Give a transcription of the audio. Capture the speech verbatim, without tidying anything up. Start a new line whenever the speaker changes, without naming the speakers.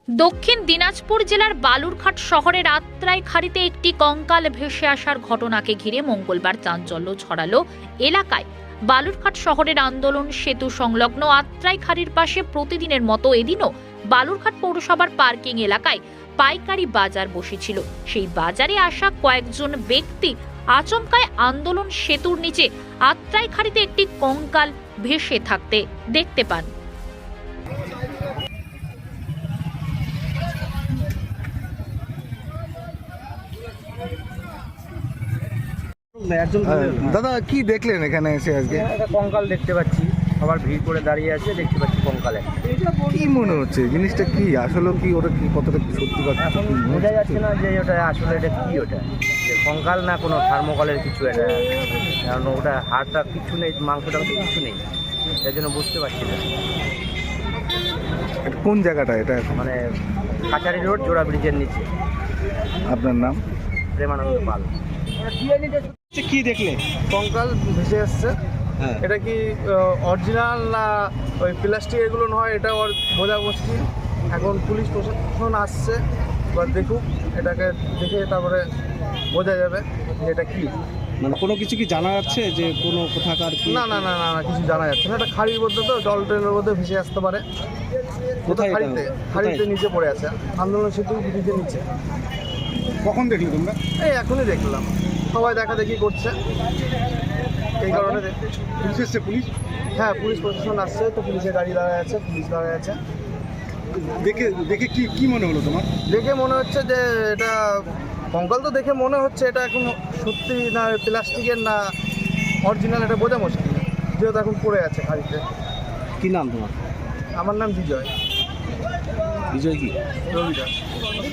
দক্ষিণ দিনাজপুর জেলার বালুরঘাট শহরের আত্রাই খাড়িতে একটি কঙ্কাল ভেসে আসার ঘটনাকে ঘিরে মঙ্গলবার চাঞ্চল্য ছড়ালো এলাকায়। বালুরঘাট শহরের আন্দোলন সেতু সংলগ্ন আত্রাই খাড়ির পাশে প্রতিদিনের মতো এদিনও বালুরঘাট পৌরসভার পার্কিং এলাকায় পাইকারি বাজার বসেছিল। সেই বাজারে আসা কয়েকজন ব্যক্তি আচমকায় আন্দোলন সেতুর নিচে আত্রাই খাড়িতে একটি কঙ্কাল ভেসে থাকতে দেখতে পান।
দাদা কি দেখলেন এখানে এসে আজকে?
একটা কঙ্কাল দেখতে পাচ্ছি, সবার ভিড় করে দাঁড়িয়ে আছে, দেখতে পাচ্ছি কঙ্কালে।
কি মনে হচ্ছে জিনিসটা কি আসলে কি ওটা কি কতটা কি সত্যি কথা
এখন বোঝা যাচ্ছে না যে ওটা আসলে এটা কি, ওটা যে কঙ্কাল না কোনো থার্মোকলের কিছু, এটা কারণ ওটা হাড়টা কিছু নেই, মাংসটা কিছু নেই, এর জন্য বুঝতে পারছি না।
এটা কোন জায়গাটা এটা এখন?
মানে কাছারি রোড, জোড়া ব্রিজের নিচে।
আপনার নাম?
প্রেমানন্দ পাল।
কি দেখলে?
কঙ্কাল ভেসে আসছে।
হ্যাঁ।
এটা কি অরিজিনাল না ওই প্লাস্টিক এগুলো নয়, এটা ওর বোঝা মুশকিল। এখন পুলিশ প্রশাসন আসছে, এবার দেখুক, এটাকে দেখে তারপরে বোঝা যাবে যে এটা কি।
মানে কোনো কিছু কি জানা যাচ্ছে যে কোনো কোথাকার কি?
না না না না না, কিছু জানা যাচ্ছে না। এটা খাড়ির মধ্যে, তো জল ট্রেনের মধ্যে ভেসে আসতে পারে।
কোথায় এটা?
খাড়িতে খাড়িতে
কোথায়?
নিচে পড়ে আছে, আন্দোলন সেতু ব্রিজের নিচে।
কখন দেখলে তোমরা?
এই এখনই দেখলাম, সবাই দেখা দেখি করছে, এই কারণে দেখ-
পুলিশ এসছে? পুলিশ
হ্যাঁ, পুলিশ প্রশাসন আসছে, তো পুলিশের গাড়ি দাঁড়ায় আছে, পুলিশ দাঁড়ায় আছে।
দেখে দেখে কি কি মনে হলো তোমার?
দেখে মনে হচ্ছে যে এটা কঙ্কাল, তো দেখে মনে হচ্ছে এটা এখন সত্যি না প্লাস্টিকের না অরিজিনাল, এটা বোঝা মুশকিল, যেহেতু এখন পড়ে আছে খাড়িতে।
কি নাম তোমার?
আমার নাম বিজয়
বিজয় কি?
রবি দাস।